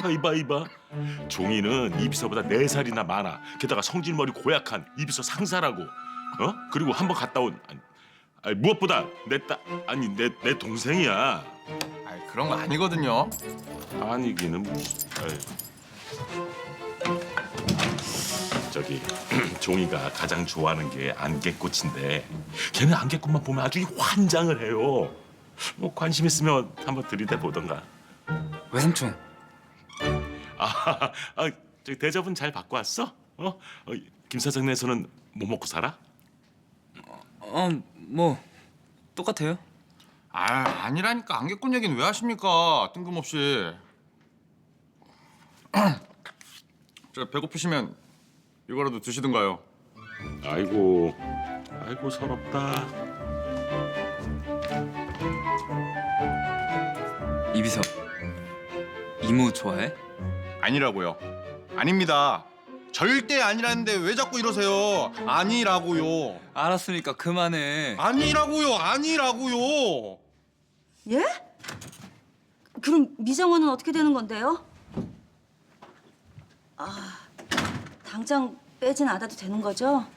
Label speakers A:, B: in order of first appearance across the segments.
A: 이봐. 종이는 이비서보다 4살이나 많아. 게다가 성질머리 고약한 이비서 상사라고. 그리고 한번 갔다 온 아니, 무엇보다 내 동생이야.
B: 아이, 그런 거 아니거든요.
A: 아니기는 무슨. 저기 종이가 가장 좋아하는 게 안개꽃인데 걔는 안개꽃만 보면 아주 환장을 해요. 뭐 관심 있으면 한번 들이대 보던가.
C: 외삼촌,
A: 저기 대접은 잘 받고 왔어? 김 사장네에서는 뭐 먹고 살아?
C: 뭐 똑같아요.
B: 아니라니까. 안개꽃 얘기는 왜 하십니까? 뜬금없이. 저 배고프시면 이거라도 드시든가요.
A: 아이고 서럽다.
C: 이비서, 이모 좋아해?
B: 아니라고요. 아닙니다. 절대 아니라는데 왜 자꾸 이러세요? 아니라고요.
C: 알았으니까 그만해.
B: 아니라고요.
D: 예? 그럼 미정원은 어떻게 되는 건데요? 당장 빼진 않아도 되는 거죠?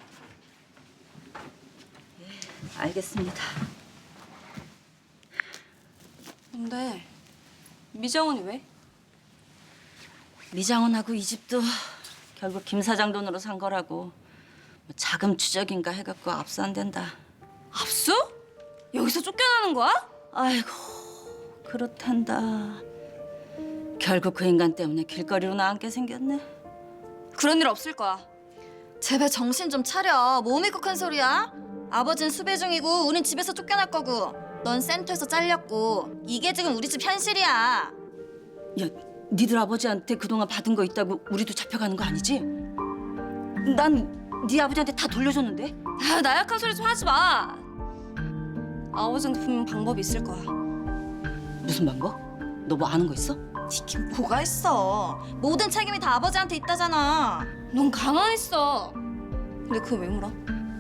D: 예, 알겠습니다.
E: 근데 미정원이 왜?
D: 미정원하고 이 집도 결국 김 사장 돈으로 산 거라고. 뭐 자금 추적인가 해갖고 압수 안 된다.
E: 압수? 여기서 쫓겨나는 거야?
D: 아이고 그렇단다. 결국 그 인간 때문에 길거리로 나앉게 생겼네.
E: 그런 일 없을 거야.
F: 제발 정신 좀 차려. 뭐 믿고 큰 소리야? 아버진 수배 중이고 우린 집에서 쫓겨날 거고 넌 센터에서 잘렸고 이게 지금 우리 집 현실이야.
D: 야, 니들 아버지한테 그동안 받은 거 있다고 우리도 잡혀가는 거 아니지? 난 네 아버지한테 다 돌려줬는데?
E: 아, 나약한 소리 좀 하지 마. 아버지한테 분명 방법이 있을 거야.
D: 무슨 방법? 너 뭐 아는 거 있어?
F: 이게 뭐가 있어. 모든 책임이 다 아버지한테 있다잖아.
E: 넌 가만히 있어. 근데 그거 왜 물어?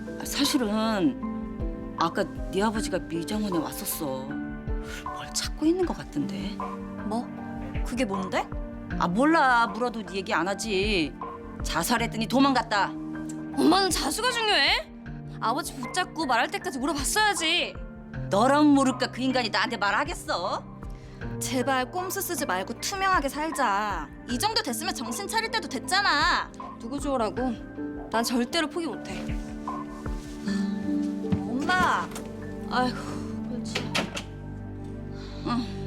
D: 사실은 아까 네 아버지가 미정원에 왔었어. 뭘 찾고 있는 거 같던데.
F: 뭐? 그게 뭔데?
D: 몰라. 물어도 네 얘기 안 하지. 자살했더니 도망갔다.
E: 엄마는 자수가 중요해? 아버지 붙잡고 말할 때까지 물어봤어야지.
D: 너랑 모를까 그 인간이 나한테 말하겠어?
F: 제발 꼼수 쓰지 말고 투명하게 살자. 이 정도 됐으면 정신 차릴 때도 됐잖아.
E: 누구 좋으라고? 난 절대로 포기 못해.
F: 엄마.
D: 아이고, 그렇지. 응.